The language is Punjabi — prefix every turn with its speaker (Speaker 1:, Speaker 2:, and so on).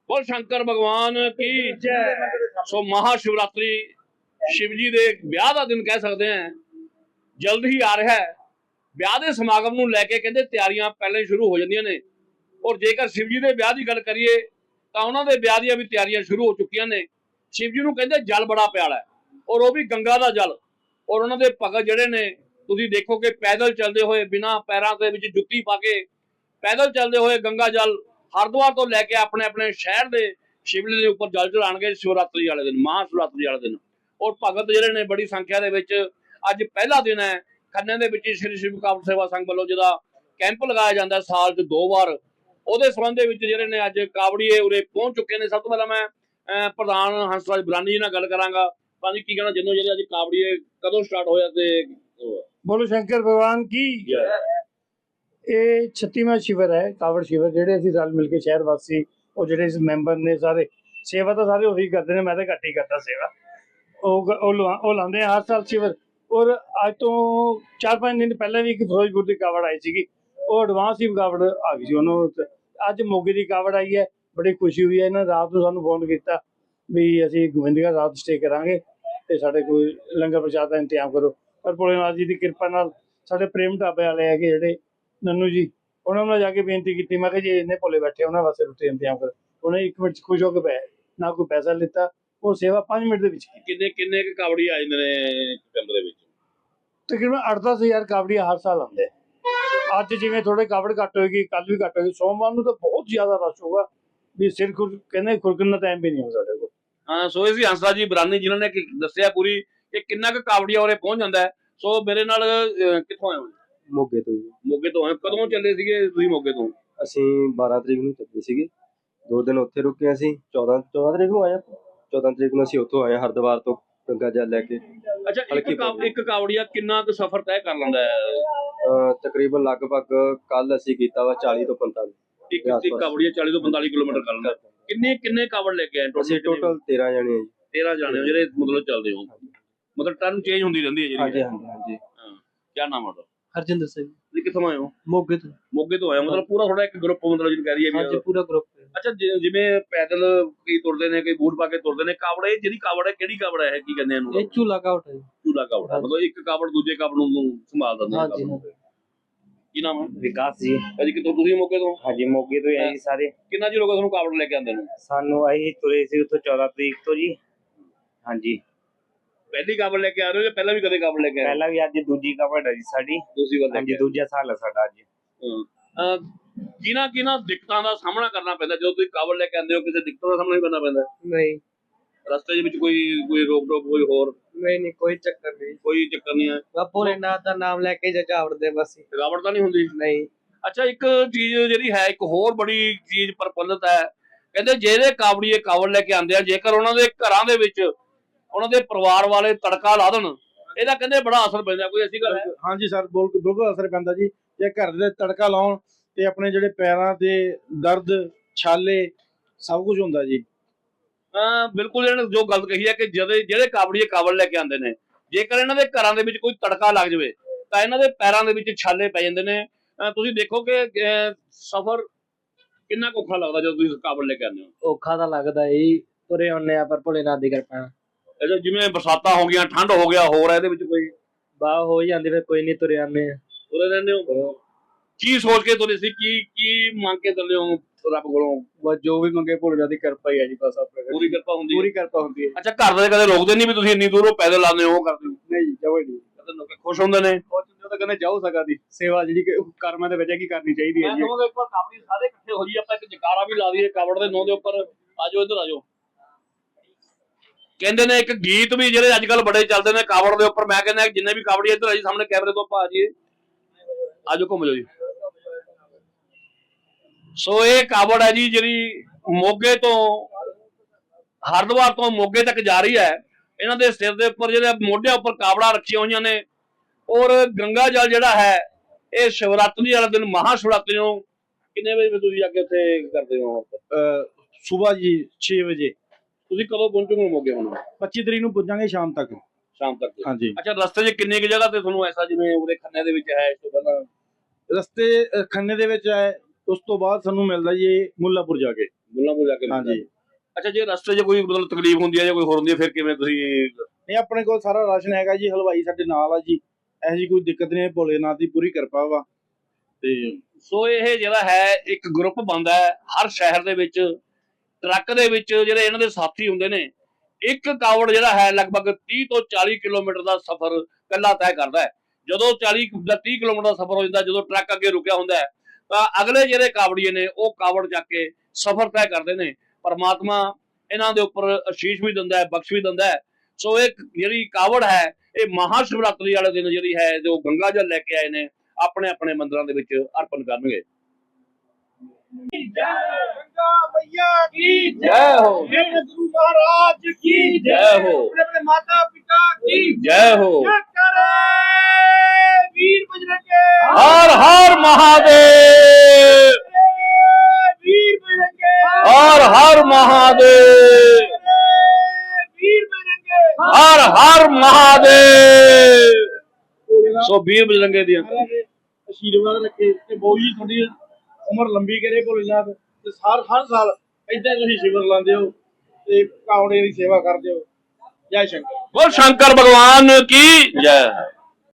Speaker 1: बोल शंकर भगवान की जय। सो महाशिवरात्रि शिव जी ਦੇ ਵਿਆਹ ਦਾ ਦਿਨ ਕਹਿ ਸਕਦੇ ਹਾਂ, ਜਲਦ ਹੀ ਆ ਰਿਹਾ ਹੈ। ਵਿਆਹ ਦੇ ਸਮਾਗਮ ਨੂੰ ਲੈ ਕੇ ਕਹਿੰਦੇ ਤਿਆਰੀਆਂ ਪਹਿਲਾਂ ਹੀ ਸ਼ੁਰੂ ਹੋ ਜਾਂਦੀਆਂ ਨੇ। ਔਰ ਜੇਕਰ शिव जी ਦੇ ਵਿਆਹ ਦੀ ਗੱਲ ਕਰੀਏ ਤਾਂ ਉਹਨਾਂ ਦੇ ਵਿਆਹ ਦੀਆਂ ਵੀ ਤਿਆਰੀਆਂ ਸ਼ੁਰੂ ਹੋ ਚੁੱਕੀਆਂ ਨੇ। शिव जी ਨੂੰ ਕਹਿੰਦੇ ਜਲ ਬੜਾ ਪਿਆਰਾ ਹੈ, ਔਰ ਉਹ ਵੀ ਗੰਗਾ ਦਾ ਜਲ। ਔਰ ਉਹਨਾਂ ਦੇ ਭਗਤ ਜਿਹੜੇ ਨੇ ਤੁਸੀਂ ਦੇਖੋ ਕਿ ਪੈਦਲ ਚੱਲਦੇ ਹੋਏ ਬਿਨਾਂ ਪੈਰਾਂ ਦੇ ਵਿੱਚ ਜੁੱਤੀ ਪਾ ਕੇ ਪੈਦਲ ਚੱਲਦੇ ਹੋਏ ਗੰਗਾ ਜਲ ਹਰਿਦੁਆਰ ਤੋਂ ਲੈ ਕੇ ਆਪਣੇ ਆਪਣੇ ਸ਼ਹਿਰ ਦੇ शिवलिंग ਦੇ ਉੱਪਰ ਜਲ ਚੜਾਉਣਗੇ शिवरात्रि वाले दिन, महाशिवरात्रि वाले दिन। ਔਰ ਭਗਤ ਜਿਹੜੇ ਨੇ ਬੜੀ ਸੰਖਿਆ ਦੇ ਵਿੱਚ ਅੱਜ ਪਹਿਲਾ ਦਿਨ ਹੈ ਖੰਨੇ ਦੇ ਵਿੱਚ ਸ਼੍ਰੀ ਸ਼ਿਵ ਕਾਵੜ ਸੇਵਾ ਸੰਘ ਵੱਲੋਂ ਜਿਹਦਾ ਕੈਂਪ ਲਗਾਇਆ ਜਾਂਦਾ ਸਾਲ 'ਚ 2 ਵਾਰ, ਉਹਦੇ ਸੰਬੰਧ ਦੇ ਵਿੱਚ ਜਿਹੜੇ ਨੇ ਅੱਜ ਕਾਵੜੀਏ ਉਰੇ ਪਹੁੰਚ ਚੁੱਕੇ ਨੇ। ਸਭ ਤੋਂ ਪਹਿਲਾਂ ਮੈਂ ਪ੍ਰਧਾਨ ਹੰਸਰਾਜ ਬਰਾਨੀ ਜੀ ਨਾਲ ਗੱਲ ਕਰਾਂਗਾ। ਭਾਜੀ ਕੀ ਕਹਿਣਾ ਜਿੰਨੋਂ ਜਿਹੜੇ ਅੱਜ ਕਾਵੜੀਏ ਕਦੋਂ ਸਟਾਰਟ ਹੋਇਆ ਤੇ
Speaker 2: बोलो शंकर भगवान की। ये 36वां शिविर है कावड़ शिविर, ਜਿਹੜੇ ਅਸੀਂ ਰਲ ਮਿਲ ਕੇ ਸ਼ਹਿਰ ਵਾਸੀ ਉਹ ਜਿਹੜੇ ਇਸ ਮੈਂਬਰ ਨੇ ਸਾਰੇ ਸੇਵਾ ਤਾਂ ਸਾਰੇ ਉਹੀ ਕਰਦੇ ਨੇ, ਮੈਂ ਤਾਂ ਘੱਟ ਹੀ ਕਰਦਾ ਸੇਵਾ। ਉਹ ਲਾਉਂਦੇ ਆ ਹਰ ਸਾਲ शिविर। ਔਰ ਅੱਜ ਤੋਂ 4-5 ਦਿਨ ਪਹਿਲਾਂ ਵੀ ਇੱਕ ਫਿਰੋਜ਼ਪੁਰ ਦੀ ਕਾਵੜ ਆਈ ਸੀਗੀ, ਉਹ ਐਡਵਾਂਸ ਹੀ ਕਾਵੜ ਆ ਗਈ ਸੀ ਉਹਨੂੰ। ਅੱਜ ਮੋਗੇ ਦੀ ਕਾਵੜ ਆਈ ਹੈ, ਬੜੀ ਖੁਸ਼ੀ ਹੋਈ ਹੈ। ਇਹਨਾਂ ਰਾਤ ਨੂੰ ਸਾਨੂੰ ਫੋਨ ਕੀਤਾ ਵੀ ਅਸੀਂ ਗੋਬਿੰਦਗੜ੍ਹ ਰਾਤ ਸਟੇ ਕਰਾਂਗੇ ਤੇ ਸਾਡੇ ਕੋਈ ਲੰਗਰ ਪ੍ਰਸ਼ਾਦ ਦਾ ਇੰਤਜ਼ਾਮ ਕਰੋ। ਪਰ ਭੋਲੇਨਾਥ ਜੀ ਦੀ ਕਿਰਪਾ ਨਾਲ ਸਾਡੇ ਪ੍ਰੇਮ ਢਾਬੇ ਵਾਲੇ ਹੈਗੇ ਜਿਹੜੇ ਨੰਨੂ ਜੀ, ਉਹਨਾਂ ਨੂੰ ਜਾ ਕੇ ਬੇਨਤੀ ਕੀਤੀ, ਮੈਂ ਕਿਹਾ ਜੀ ਇੰਨੇ ਭੋਲੇ ਬੈਠੇ ਉਹਨਾਂ ਵਾਸਤੇ ਰੋਟੀ ਦਾ ਇੰਤਜ਼ਾਮ ਕਰੋ। ਉਹਨੇ 1 ਮਿੰਟ 'ਚ ਖੁਸ਼ ਹੋ ਕੇ ਪਏ, ਨਾ ਕੋਈ ਪੈਸਾ ਲਿੱਤਾ, ਉਹ ਸੇਵਾ 5 ਮਿੰਟ ਦੇ ਵਿੱਚ ਕੀਤੀ।
Speaker 1: ਕਿੰਨੇ ਕਾਵੜੀ ਆ ਜਾਂਦੇ ਨੇ ਕੈਂਪ ਦੇ ਵਿੱਚ?
Speaker 2: ਤਕਰੀਬਨ 8-10 ਹਜ਼ਾਰ ਕਾਵੜੀਆ ਹਰ ਸਾਲ ਆਉਂਦੇ। ਅੱਜ ਜਿਵੇਂ ਥੋੜੇ ਕਾਵੜ ਘੱਟ ਹੋਏਗੀ, ਕੱਲ ਵੀ ਘੱਟ ਹੋਏਗੀ, ਸੋਮਵਾਰ ਨੂੰ ਤਾਂ ਬਹੁਤ ਜ਼ਿਆਦਾ ਰਸ਼ ਹੋਗਾ ਵੀ ਸਿਰ ਕਹਿੰਦੇ ਖੁਰਕਣ ਦਾ ਟਾਈਮ ਵੀ ਨਹੀਂ ਹੋ ਸਾਡੇ ਕੋਲ।
Speaker 1: ਹਾਂ, ਸੋ ਇਹ ਸੀ ਹੰਸਰਾਜ ਜੀ ਬਰਾਨੀ ਜਿਨ੍ਹਾਂ ਨੇ ਦੱਸਿਆ ਪੂਰੀ ਕਿ ਕਿੰਨਾ ਕੁ ਕਾਵੜੀਆ ਉਰੇ ਪਹੁੰਚ ਜਾਂਦਾ ਹੈ। ਸੋ ਮੇਰੇ ਨਾਲ ਕਿੱਥੋਂ ਆਏ ਹੋ?
Speaker 3: ਮੋਗੇ ਤੋਂ ਜੀ।
Speaker 1: ਮੋਗੇ ਤੋਂ ਆਏ। ਕਦੋਂ ਚੱਲੇ ਸੀਗੇ ਤੁਸੀਂ ਮੋਗੇ ਤੋਂ?
Speaker 3: ਅਸੀਂ 12 ਤਰੀਕ ਨੂੰ ਚੱਲੇ ਸੀਗੇ, 2 ਦਿਨ ਉੱਥੇ ਰੁਕੇ। ਅਸੀਂ 14 ਤਰੀਕ ਨੂੰ ਆਏ, 14 ਤਰੀਕ ਨੂੰ ਅਸੀਂ ਉੱਥੋਂ ਆਏ ਹਰਿਦੁਆਰ ਤੋਂ ਗੰਗਾ ਜਲ ਲੈ ਕੇ।
Speaker 1: ਅੱਛਾ, ਇੱਕ ਕਾਵੜੀਆ ਕਿੰਨਾ ਕੁ ਸਫ਼ਰ ਤੈਅ ਕਰ ਲੈਂਦਾ ਹੈ?
Speaker 3: ਤਕਰੀਬਨ ਲਗਭਗ ਕੱਲ ਅਸੀਂ ਕੀਤਾ ਵਾ 40 ਤੋਂ 45।
Speaker 1: ਇੱਕ ਕਾਵੜੀਆ 40 ਤੋਂ 45 ਕਿਲੋਮੀਟਰ ਕਰ ਲੈਂਦਾ। ਕਿੰਨੇ ਕਾਵੜ ਲੈ ਕੇ ਆਏ
Speaker 3: ਅਸੀਂ ਟੋਟਲ 13 ਜਣੇ ਆ ਜੀ।
Speaker 1: 13 ਜਾਣੇ ਹੋ ਜਿਹੜੇ ਮਤਲਬ ਚੱਲਦੇ ਹੋ, ਮਤਲਬ ਟਰਨ ਚੇਂਜ ਹੁੰਦੀ ਰਹਿੰਦੀ ਹੈ ਜਿਹੜੀ?
Speaker 3: ਹਾਂਜੀ ਹਾਂਜੀ ਹਾਂਜੀ।
Speaker 1: ਹਾਂ, ਕੀ ਨਾਮ ਹੈ ਤੁਹਾਡਾ?
Speaker 4: हरजिंदर सिंह।
Speaker 1: ਤੁਸੀਂ ਕਿੱਥੋਂ ਆਏ ਹੋ?
Speaker 4: मोगे तो।
Speaker 1: ਮੋਗੇ ਤੋਂ ਆਏ ਹੋ, ਮਤਲਬ ਪੂਰਾ ਥੋੜਾ ਇੱਕ ਗਰੁੱਪ ਮਤਲਬ ਜਿਹਨੂੰ ਕਹਿ ਰਹੀ ਹੈ
Speaker 4: हाँ जी, पूरा ग्रुप है।
Speaker 1: ਅੱਛਾ, ਜਿਵੇਂ ਪੈਦਲ ਕਈ ਤੁਰਦੇ ਨੇ, ਕਈ ਬੂਟ ਪਾ ਕੇ ਤੁਰਦੇ ਨੇ। ਕਾਵੜ ਇਹ ਜਿਹੜੀ ਕਾਵੜ ਹੈ ਕਿਹੜੀ ਕਾਵੜ ਹੈ, ਕੀ ਕਹਿੰਦੇ ਇਹਨੂੰ?
Speaker 4: ये चूल्हा का उठा है।
Speaker 1: ਚੂਲਾ ਕਾਵੜ ਹੈ, ਮਤਲਬ ਇੱਕ ਕਾਵੜ ਦੂਜੇ ਕਾਵੜ ਨੂੰ ਸੰਭਾਲ ਦਿੰਦੇ
Speaker 4: हाँ
Speaker 1: ਨੇ।
Speaker 4: जी हाँ।
Speaker 1: ਕੀ ਨਾਮ ਹੈ?
Speaker 5: विकास जी।
Speaker 1: ਭਾਜੀ ਕਿੱਥੋਂ? ਤੁਸੀਂ ਮੋਗੇ ਤੋਂ?
Speaker 5: हाँ जी, मोगे तो यही सारे
Speaker 1: ਕਿੰਨਾ ਚਿਰ ਹੋ ਗਿਆ ਤੁਹਾਨੂੰ ਕਾਵੜ ਲੈ ਕੇ ਆਉਂਦੇ ਨੂੰ?
Speaker 5: सानू अही तुरे सी उतो 14 तरीक तो जी। हाँ जी,
Speaker 1: ਪਹਿਲੀ ਕਾਵੜ ਲੈ ਕੇ ਆ ਰਹੇ ਹੋ ਜਾਂ ਪਹਿਲਾਂ ਵੀ ਕਦੇ ਕਾਵੜ ਲੈ ਕੇ ਆਏ?
Speaker 5: पहला भी अज दूजी कवड़ है जी साडी।
Speaker 1: ਦੂਸਰੀ ਵਾਰ ਲੈ
Speaker 5: हाँ
Speaker 1: ਕੇ
Speaker 5: जी, दूजा साल है साडा अज।
Speaker 1: ਆਏ। ਕਿਹਨਾਂ ਦਿੱਕਤਾਂ ਦਾ ਸਾਹਮਣਾ ਕਰਨਾ ਪੈਂਦਾ ਜਦੋਂ ਤੁਸੀਂ ਕਾਵੜ ਲੈ ਕੇ ਆਉਂਦੇ ਹੋ? ਕਿਸੇ ਦਿੱਕਤਾਂ ਦਾ ਸਾਹਮਣਾ ਵੀ ਕਰਨਾ ਪੈਂਦਾ?
Speaker 4: नहीं
Speaker 1: ਰਸਤੇ ਦੇ ਵਿੱਚ ਕੋਈ ਰੋਕ ਟੋਕ, ਕੋਈ ਹੋਰ
Speaker 4: नहीं कोई चक्कर नहीं।
Speaker 1: ਕੋਈ ਚੱਕਰ ਨਹੀਂ ਹੈ?
Speaker 4: बस भोलेनाथ का नाम लेके जगावड़ दे बस।
Speaker 1: ਥਕਾਵਟ ਤਾਂ ਨਹੀਂ ਹੁੰਦੀ?
Speaker 4: नहीं।
Speaker 1: ਅੱਛਾ, ਇੱਕ ਚੀਜ਼ ਜਿਹੜੀ ਹੈ, ਇੱਕ ਹੋਰ ਬੜੀ ਚੀਜ਼ ਪ੍ਰਫੁੱਲਤ ਹੈ। ਕਹਿੰਦੇ ਜਿਹੜੇ ਕਾਵੜੀਏ ਕਾਵੜ ਲੈ ਕੇ ਆਉਂਦੇ ਆ, ਜੇਕਰ ਉਹਨਾਂ ਦੇ ਘਰਾਂ ਦੇ ਵਿੱਚ ਉਹਨਾਂ ਦੇ ਪਰਿਵਾਰ ਵਾਲੇ ਤੜਕਾ ਲਾ ਦੇਣ, ਇਹਦਾ ਕਹਿੰਦੇ ਬੜਾ ਅਸਰ ਪੈਂਦਾ। ਕੋਈ ਐਸੀ ਗੱਲ ਹੈ?
Speaker 2: ਹਾਂਜੀ ਸਰ, ਬਿਲਕੁਲ ਅਸਰ ਪੈਂਦਾ ਜੀ। ਜੇ ਘਰ ਦੇ ਤੜਕਾ ਲਾਉਣ ਤੇ ਆਪਣੇ ਜਿਹੜੇ ਪੈਰਾਂ ਦੇ ਦਰਦ, ਛਾਲੇ, ਸਭ ਕੁਝ ਹੁੰਦਾ ਜੀ।
Speaker 1: ਬਿਲਕੁਲ ਇਹਨਾਂ ਨੇ ਜੋ ਗੱਲ ਕਹੀ ਹੈ ਕਿ ਜਿਹੜੇ ਕਾਵੜੀਏ ਕਾਵੜ ਲੈ ਕੇ ਆਉਂਦੇ ਨੇ, ਜੇਕਰ ਇਹਨਾਂ ਦੇ ਘਰਾਂ ਦੇ ਵਿੱਚ ਕੋਈ ਤੜਕਾ ਲੱਗ ਜਾਵੇ ਤਾਂ ਇਹਨਾਂ ਦੇ ਪੈਰਾਂ ਦੇ ਵਿੱਚ ਛਾਲੇ ਪੈ ਜਾਂਦੇ ਨੇ। ਤੁਸੀਂ ਦੇਖੋ ਕਿ ਸਫ਼ਰ ਕਿੰਨਾ ਔਖਾ ਲੱਗਦਾ ਜਦੋਂ ਤੁਸੀਂ ਕਾਵੜ ਲੈ ਕੇ ਆਉਂਦੇ ਹੋ।
Speaker 4: औखा तो लगता है ही, तुरे होने पर भोलेनाथ की कृपा
Speaker 1: ਇਹਦਾ ਜਿਵੇਂ ਬਰਸਾਤਾਂ ਹੋ ਗਈਆਂ, ਠੰਡ ਹੋ ਗਿਆ, ਹੋਰ ਇਹਦੇ ਵਿੱਚ ਕੋਈ
Speaker 4: वाह हो ही जाती, फिर कोई नहीं तुरे आने।
Speaker 1: ਤੁਰੇ ਰਹਿੰਦੇ ਹੋ? ਕੀ ਸੋਚ ਕੇ ਤੁਰੇ ਸੀ? ਕੀ ਮੰਗ ਕੇ ਚੱਲੇ ਹੋ ਰੱਬ ਕੋਲੋਂ?
Speaker 4: बस जो भी मंगे भोलेनाथ की कृपा ही है जी, बस अपने
Speaker 1: ਪੂਰੀ ਕਿਰਪਾ ਹੁੰਦੀ ਹੈ?
Speaker 4: पूरी कृपा होती है।
Speaker 1: ਅੱਛਾ, ਘਰ ਦੇ ਕਦੇ ਰੋਕਦੇ ਨਹੀਂ ਵੀ ਤੁਸੀਂ ਇੰਨੀ ਦੂਰੋਂ ਪੈਦਲ ਆਉਂਦੇ ਹੋ, ਉਹ ਕਰਦੇ ਹੋ?
Speaker 4: नहीं जब नहीं
Speaker 1: ਕਦੇ ਲੋਕ ਖੁਸ਼ ਹੁੰਦੇ ਨੇ?
Speaker 4: तो कहने जाओ सका दी सेवा जी कर्मा दे वजह की करनी चाहिए
Speaker 1: ਮੈਂ ਕਹਾਂਗਾ ਇੱਕ ਵਾਰ ਕਾਵੜੀ ਸਾਰੇ ਇਕੱਠੇ ਹੋ ਜੀ, ਆਪਾਂ ਇੱਕ ਜਕਾਰਾ ਵੀ ਲਾ ਦਈਏ ਕਾਵੜ ਦੇ ਨਾਂ ਦੇ ਉੱਪਰ। ਆਜੋ ਇੱਧਰ ਆਜੋ। ਕਹਿੰਦੇ ਨੇ ਇੱਕ ਗੀਤ ਵੀ ਜਿਹੜੇ ਅੱਜ ਕੱਲ ਬੜੇ ਚੱਲਦੇ ਨੇ ਕਾਵੜ ਦੇ ਉੱਪਰ। ਮੈਂ ਕਹਿੰਦਾ ਜਿੰਨੇ ਵੀ ਕਾਵੜੀ ਇੱਧਰ ਆ ਜੀ, ਸਾਹਮਣੇ ਕੈਮਰੇ ਤੋਂ ਆਪਾਂ ਆ ਜਾਈਏ। ਆਜੋ, ਘੁੰਮ ਜਾਓ ਜੀ। ਸੋ ਇਹ ਕਾਵੜ ਹੈ ਜੀ ਜਿਹੜੀ ਮੋਗੇ ਤੋਂ ਹਰਿਦੁਆਰ ਤੋਂ ਮੋਗੇ ਤੱਕ ਜਾ ਰਹੀ ਹੈ। ਇਹਨਾਂ ਦੇ ਸਿਰ ਦੇ ਉੱਪਰ ਜਿਹੜੇ ਮੋਢਿਆਂ ਉੱਪਰ ਕਾਵੜਾਂ ਰੱਖੀਆਂ ਹੋਈਆਂ ਨੇ। ਔਰ ਗੰਗਾ ਜਲ ਜਿਹੜਾ ਹੈ ਇਹ शिवरात्रि ਵਾਲੇ ਦਿਨ, महाशिवरात्रि ਨੂੰ ਕਿੰਨੇ ਵਜੇ ਤੁਸੀਂ ਅੱਗੇ ਉੱਥੇ ਕਰਦੇ ਹੋ?
Speaker 2: ਸਵੇਰ ਜੀ 6 ਵਜੇ।
Speaker 1: ਤੁਸੀਂ ਕਦੋਂ ਪਹੁੰਚੋਗੇ ਮੋਗੇ? ਹੁਣ
Speaker 2: 25 ਤਰੀਕ ਨੂੰ ਪਹੁੰਚਾਂਗੇ ਸ਼ਾਮ ਤੱਕ।
Speaker 1: ਸ਼ਾਮ ਤੱਕ?
Speaker 2: ਹਾਂਜੀ।
Speaker 1: ਅੱਛਾ, ਰਸਤੇ 'ਚ ਕਿੰਨੇ ਕੁ ਜਗ੍ਹਾ ਤੇ ਤੁਹਾਨੂੰ ਐਸਾ ਜਿਵੇਂ ਉਹਦੇ ਖੰਨੇ ਦੇ ਵਿੱਚ ਹੈ ਇਸ ਤੋਂ ਪਹਿਲਾਂ?
Speaker 2: ਰਸਤੇ ਖੰਨੇ ਦੇ ਵਿੱਚ ਹੈ, ਉਸ ਤੋਂ ਬਾਅਦ ਸਾਨੂੰ ਮਿਲਦਾ ਜੀ ਮੁੱਲਾਪੁਰ ਜਾ ਕੇ।
Speaker 1: ਗੁੱਲਾਂਪੁਰ ਜਾ ਕੇ
Speaker 4: ਹਾਂਜੀ
Speaker 1: ਅੱਛਾ, ਜੇ ਰਸਤੇ 'ਚ ਕੋਈ ਮਤਲਬ ਤਕਲੀਫ ਹੁੰਦੀ ਹੈ ਜਾਂ ਕੋਈ ਹੋਰ ਹੁੰਦੀ ਹੈ ਫਿਰ ਕਿਵੇਂ ਤੁਸੀਂ?
Speaker 4: ਨਹੀਂ ਆਪਣੇ ਕੋਲ ਸਾਰਾ ਰਾਸ਼ਨ ਹੈਗਾ ਜੀ, ਹਲਵਾਈ ਸਾਡੇ ਨਾਲ ਆ ਜੀ, ਇਹੋ ਜਿਹੀ ਕੋਈ ਦਿੱਕਤ ਨਹੀਂ, ਭੋਲੇਨਾਥ ਦੀ ਪੂਰੀ ਕਿਰਪਾ ਵਾ। ਤੇ
Speaker 1: ਸੋ ਇਹ ਜਿਹੜਾ ਹੈ ਇੱਕ ਗਰੁੱਪ ਬਣਦਾ ਹੈ ਹਰ ਸ਼ਹਿਰ ਦੇ ਵਿੱਚ, ਟਰੱਕ ਦੇ ਵਿੱਚ ਜਿਹੜੇ ਇਹਨਾਂ ਦੇ ਸਾਥੀ ਹੁੰਦੇ ਨੇ। ਇੱਕ ਕਾਵੜ ਜਿਹੜਾ ਹੈ ਲਗਭਗ 30 ਤੋਂ 40 ਕਿਲੋਮੀਟਰ ਦਾ ਸਫ਼ਰ ਇਕੱਲਾ ਤੈਅ ਕਰਦਾ ਹੈ। ਜਦੋਂ 40 ਜਾਂ 30 ਕਿਲੋਮੀਟਰ ਦਾ ਸਫ਼ਰ ਹੋ ਜਾਂਦਾ, ਜਦੋਂ ਟਰੱਕ ਅੱਗੇ ਰੁਕਿਆ ਹੁੰਦਾ ਹੈ, ਤਾਂ ਅਗਲੇ ਜਿਹੜੇ ਕਾਵੜੀਏ ਨੇ ਉਹ ਕਾਵੜ ਚੱਕ ਕੇ ਸਫ਼ਰ ਤੈਅ ਕਰਦੇ ਨੇ। ਪਰਮਾਤਮਾ ਇਹਨਾਂ ਦੇ ਉੱਪਰ ਅਸ਼ੀਸ਼ ਵੀ ਦਿੰਦਾ ਹੈ, ਬਖਸ਼ ਵੀ ਦਿੰਦਾ ਹੈ। ਸੋ ਇਹ ਜਿਹੜੀ ਕਾਵੜ ਹੈ ਇਹ ਮਹਾ ਸ਼ਿਵਰਾਤਰੀ ਵਾਲੇ ਦਿਨ ਜਿਹੜੀ ਹੈ ਜੋ ਗੰਗਾ ਜਲ ਲੈ ਕੇ ਆਏ ਨੇ ਆਪਣੇ ਆਪਣੇ ਮੰਦਿਰਾਂ ਦੇ ਵਿੱਚ ਅਰਪਣ ਕਰਨਗੇ।
Speaker 4: गंगा मैया की
Speaker 1: जय हो,
Speaker 4: मेरे गुरु महाराज की
Speaker 1: जय हो,
Speaker 4: मेरे माता पिता की
Speaker 1: जय हो।
Speaker 4: करे वीर बजरंगे,
Speaker 1: हर हर महादेव,
Speaker 4: वीर बजरंगे,
Speaker 1: हर हर महादेव,
Speaker 4: वीर बजरंगे,
Speaker 1: हर हर महादेव। सो वीर बजरंगे दी
Speaker 4: आशीर्वाद रखे ते बहु जी थोड़ी ਉਮਰ ਲੰਬੀ ਕਰੇ ਭੋਲੇਨਾਥ, ਤੇ ਹਰ ਸਾਲ ਏਦਾਂ ਤੁਸੀਂ ਸ਼ਿਵਰ ਲਾਉਂਦੇ ਹੋ ਤੇ ਕਾਵੜੇ ਦੀ ਸੇਵਾ ਕਰਦੇ ਹੋ। ਜੈ ਸ਼ੰਕਰ।
Speaker 1: बोल शंकर भगवान की जय।